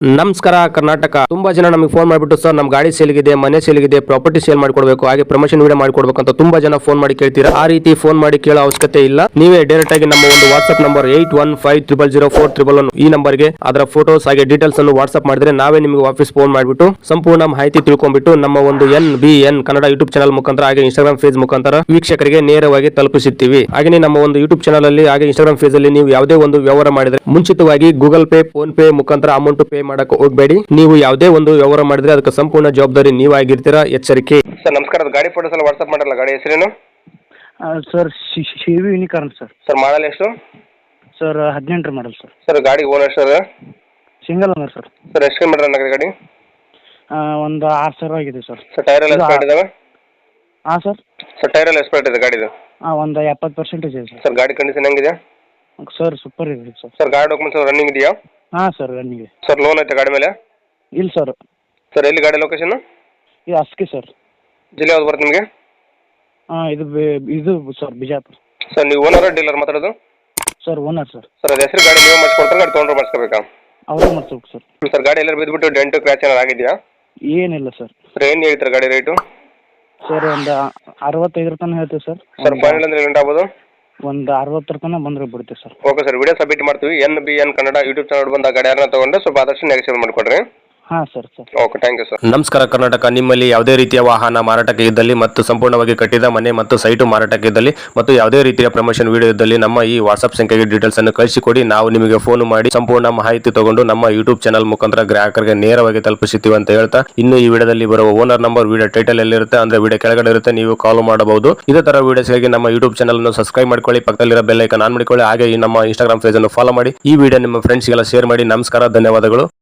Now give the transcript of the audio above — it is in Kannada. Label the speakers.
Speaker 1: ನಮಸ್ಕಾರ ಕರ್ನಾಟಕ. ತುಂಬಾ ಜನ ನಮಗೆ ಫೋನ್ ಮಾಡಿಬಿಟ್ಟು ಸರ್ ನಮ್ಮ ಗಾಡಿ ಸೇಲ್ಗಿದೆ, ಮನೆ ಸೇಲ್ಗಿದೆ, ಪ್ರಾಪರ್ಟಿ ಸೇಲ್ ಮಾಡಿಕೊಡ್ಬೇಕು, ಹಾಗೆ ಪ್ರಮೋಷನ್ ವಿಡಿಯೋ ಮಾಡಿಕೊಡ್ಬೇಕು ಅಂತ ತುಂಬಾ ಜನ ಫೋನ್ ಮಾಡಿ ಕೇಳ್ತೀರಾ. ಆ ರೀತಿ ಫೋನ್ ಮಾಡಿ ಕೇಳೋ ಅವಶ್ಯಕತೆ ಇಲ್ಲ. ನೀವೇ ಡೈರೆಕ್ಟ್ ಆಗಿ ನಮ್ಮ ಒಂದು ವಾಟ್ಸ್ಆಪ್ ನಂಬರ್ 81500411 ಈ ನಂಬರ್ಗೆ ಅದರ ಫೋಟೋಸ್ ಹಾಗೆ ಡೀಟೇಲ್ಸ್ ಅನ್ನು ವಾಟ್ಸ್ಆಪ್ ಮಾಡಿದ್ರೆ ನಾವೇ ನಿಮಗೆ ವಾಪಸ್ ಫೋನ್ ಮಾಡಿಬಿಟ್ಟು ಸಂಪೂರ್ಣ ಮಾಹಿತಿ ತಿಳ್ಕೊಂಡ್ಬಿಟ್ಟು ನಮ್ಮ ಒಂದು NBN ಕನ್ನಡ ಯೂಟ್ಯೂಬ್ ಚಾನಲ್ ಮುಖಾಂತರ ಹಾಗೆ ಇನ್ಸ್ಟಾಗ್ರಾಮ್ ಪೇಜ್ ಮುಖಾಂತರ ವೀಕ್ಷಕರಿಗೆ ನೇರವಾಗಿ ತಲುಪಿಸುತ್ತೀವಿ. ಹಾಗೆ ನಮ್ಮ ಒಂದು ಯೂಟ್ಯೂಬ್ ಚಾನಲ್ ಅಲ್ಲಿ ಹಾಗೆ ಇನ್ಸ್ಟಾಗ್ರಾಮ್ ಪೇಜ್ ಅಲ್ಲಿ ನೀವು ಯಾವುದೇ ಒಂದು ವ್ಯವಹಾರ ಮಾಡಿದ್ರೆ ಮುಂಚಿತವಾಗಿ ಗೂಗಲ್ ಪೇ, ಫೋನ್ ಪೇ ಮುಖಾಂತರ ಅಮೌಂಟ್ ಪೇ ಮಾಡಕ್ಕೆ ಹೋಗಬೇಡಿ. ನೀವು ಯಾವುದೇ ಒಂದು ವ್ಯವಹಾರ ಮಾಡಿದ್ರೆ ಅದಕ್ಕೆ ಸಂಪೂರ್ಣ ಜವಾಬ್ದಾರಿ ನೀವಾಗಿರ್ತೀರಾ, ಎಚ್ಚರಿಕೆ. ಸರ್ ನಮಸ್ಕಾರ, ಗಾಡಿ ಫೋಟೋಸ್ ಎಲ್ಲ ವಾಟ್ಸ್ಆಪ್ ಮಾಡಲ್ಲ. ಗಾಡಿ ಹೆಸರೇನು
Speaker 2: ಸರ್? ಶಿವಿ ಯೂನಿಕಾರ್ನ್ ಸರ್.
Speaker 1: ಸರ್ ಮಾಡಲ್ ಎಷ್ಟು
Speaker 2: ಸರ್ 18 ಮಾಡಲ್ ಸರ್.
Speaker 1: ಸರ್ ಗಾಡಿ owner sir?
Speaker 2: Single owner sir.
Speaker 1: Sir ಎಷ್ಟು ಕಿಲೋಮೀಟರ್ ರನ್ ಆಗಿದೆ ಗಾಡಿ?
Speaker 2: ಒಂದು 6,000 ಆಗಿದೆ ಸರ್.
Speaker 1: ಸರ್ ಟೈರ್ ಎಲ್ಲ ಎಕ್ಸ್ಪೈರ್ಡ್ ಇದಾವೆ?
Speaker 2: ಹಾಂ ಸರ್.
Speaker 1: ಸರ್ ಟೈರ್ ಎಲ್ಲ ಎಕ್ಸ್ಪೈರ್ಡ್ ಇದೆ ಗಾಡಿದು?
Speaker 2: ಒಂದು 70% ಇದೆ ಸರ್.
Speaker 1: ಸರ್ ಗಾಡಿ ಕಂಡೀಷನ್ ಹೆಂಗಿದೆ?
Speaker 2: ಸರ್ ಸೂಪರ್ ಇದೆ ಸರ್.
Speaker 1: ಸರ್ ಗಾಡಿ ಡಾಕ್ಯುಮೆಂಟ್ಸ್ ರನ್ನಿಂಗ್ ಇದೆಯಾ?
Speaker 2: ಹಾಂ ಸರ್ ರನ್ನಿಂಗ್.
Speaker 1: ಸರ್ ಲೋನ್ ಐತೆ ಗಾಡಿ ಮೇಲೆ?
Speaker 2: ಇಲ್ಲ ಸರ್.
Speaker 1: ಸರ್ ಎಲ್ಲಿ ಗಾಡಿ ಲೊಕೇಶನ್?
Speaker 2: ಇದು ಅಸ್ಕಿ ಸರ್.
Speaker 1: ಜಿಲ್ಲೆ ಯಾವ್ದು ಬರುತ್ತೆ ನಿಮಗೆ?
Speaker 2: ಇದು ಸರ್ ಬಿಜಾಪುರ.
Speaker 1: ಸರ್ ನೀವು ಓನರ್ ಡೀಲರ್ ಮಾತಾಡೋದು?
Speaker 2: Sir owner sir.
Speaker 1: ಸರ್ ಅದು ಹೆಸರು ಗಾಡಿ ನೀವು ಮಾಡಿಸ್ಕೊಡ್ತಾರೆ, ಗಾಡಿ ತೊಗೊಂಡ್ರೆ ಮಾಡಿಸ್ಕೋಬೇಕಾ?
Speaker 2: ಅವರೇ ಮಾಡ್ಸ್ಬೇಕು ಸರ್.
Speaker 1: ಸರ್ ಗಾಡಿ ಎಲ್ಲರೂ ಬಿದ್ದುಬಿಟ್ಟು ಡೆಂಟು ಕ್ರ್ಯಾಚ್ ಏನಾರು ಆಗಿದೆಯಾ?
Speaker 2: ಏನಿಲ್ಲ ಸರ್.
Speaker 1: ಸರ್ ಏನು ಹೇಳ್ತಾರೆ ಗಾಡಿ ರೇಟು?
Speaker 2: ಸರ್ ಒಂದು 65 ತನಕ ಹೇಳ್ತೀವಿ ಸರ್.
Speaker 1: ಸರ್ ಫೈನಲ್ ಅಂದ್ರೆ ಗಂಟೆ ಆಗ್ಬೋದು?
Speaker 2: ಒಂದು 60 ತನಕ ಬಂದರೆ ಬಿಡ್ತೀವಿ sir.
Speaker 1: Okay sir, video submit ಮಾಡ್ತೀವಿ. NBN ಕನ್ನಡ ಯೂಟ್ಯೂಬ್ ಚಾನಲ್ ಬಂದ ಗಾಡಿ ಯಾರನ್ನ ತೊಗೊಂಡ್ರೆ ಸ್ವಲ್ಪ ಆದಷ್ಟು ನೆಗೆಸಿಬಲ್ ಮಾಡಿಕೊಡ್ರಿ.
Speaker 2: ಹಾಂ sir.
Speaker 1: Okay, thank you sir. ನಮಸ್ಕಾರ ಕರ್ನಾಟಕ. ನಿಮ್ಮಲ್ಲಿ ಯಾವುದೇ ರೀತಿಯ ವಾಹನ ಮಾರಾಟಕ್ಕೆ ಇದ್ದಲ್ಲಿ ಮತ್ತು ಸಂಪೂರ್ಣವಾಗಿ ಕಟ್ಟಿದ ಮನೆ ಮತ್ತು ಸೈಟು ಮಾರಾಟಕ್ಕೆ ಇದ್ದಲ್ಲಿ ಮತ್ತು ಯಾವುದೇ ರೀತಿಯ ಪ್ರಮೋಷನ್ ವಿಡಿಯೋ ಇದ್ದಲ್ಲಿ ನಮ್ಮ ಈ ವಾಟ್ಸ್ಆಪ್ ಸಂಖ್ಯೆಗೆ ಡೀಟೇಲ್ಸ್ ಅನ್ನು ಕಳಿಸಿಕೊಡಿ. ನಾವು ನಿಮಗೆ ಫೋನ್ ಮಾಡಿ ಸಂಪೂರ್ಣ ಮಾಹಿತಿ ತಗೊಂಡು ನಮ್ಮ ಯೂಟ್ಯೂಬ್ ಚಾನಲ್ ಮುಖಾಂತರ ಗ್ರಾಹಕರಿಗೆ ನೇರವಾಗಿ ತಲುಪಿಸುತ್ತೀವಿ ಅಂತ ಹೇಳ್ತಾ, ಇನ್ನು ಈ ವಿಡಿಯೋದಲ್ಲಿ ಬರುವ ಓನರ್ ನಂಬರ್ ವಿಡಿಯೋ ಟೈಟಲ್ ಎಲ್ಲಿರುತ್ತೆ ಅಂದ್ರೆ ವಿಡಿಯೋ ಕೆಳಗಡೆ ಇರುತ್ತೆ, ನೀವು ಕಾಲ್ ಮಾಡಬಹುದು. ಇದೇ ತರ ವಿಡಿಯೋಸ್ಗಾಗಿ ನಮ್ಮ ಯೂಟ್ಯೂಬ್ ಚಾನಲ್ ಅನ್ನು ಸಬ್ಸ್ಕ್ರೈಬ್ ಮಾಡ್ಕೊಳ್ಳಿ, ಪಕ್ಕದಲ್ಲಿರೋ ಬೆಲ್ ಐಕಾನ್ ಆನ್ ಮಾಡಿಕೊಳ್ಳಿ, ಹಾಗೆ ಈ ನಮ್ಮ ಇನ್ಸ್ಟಾಗ್ರಾಮ್ ಪೇಜ್ ಅನ್ನು ಫಾಲೋ ಮಾಡಿ. ಈ ವಿಡಿಯೋ ನಿಮ್ಮ ಫ್ರೆಂಡ್ಸ್ಗೆಲ್ಲ ಶೇರ್ ಮಾಡಿ. ನಮಸ್ಕಾರ, ಧನ್ಯವಾದಗಳು.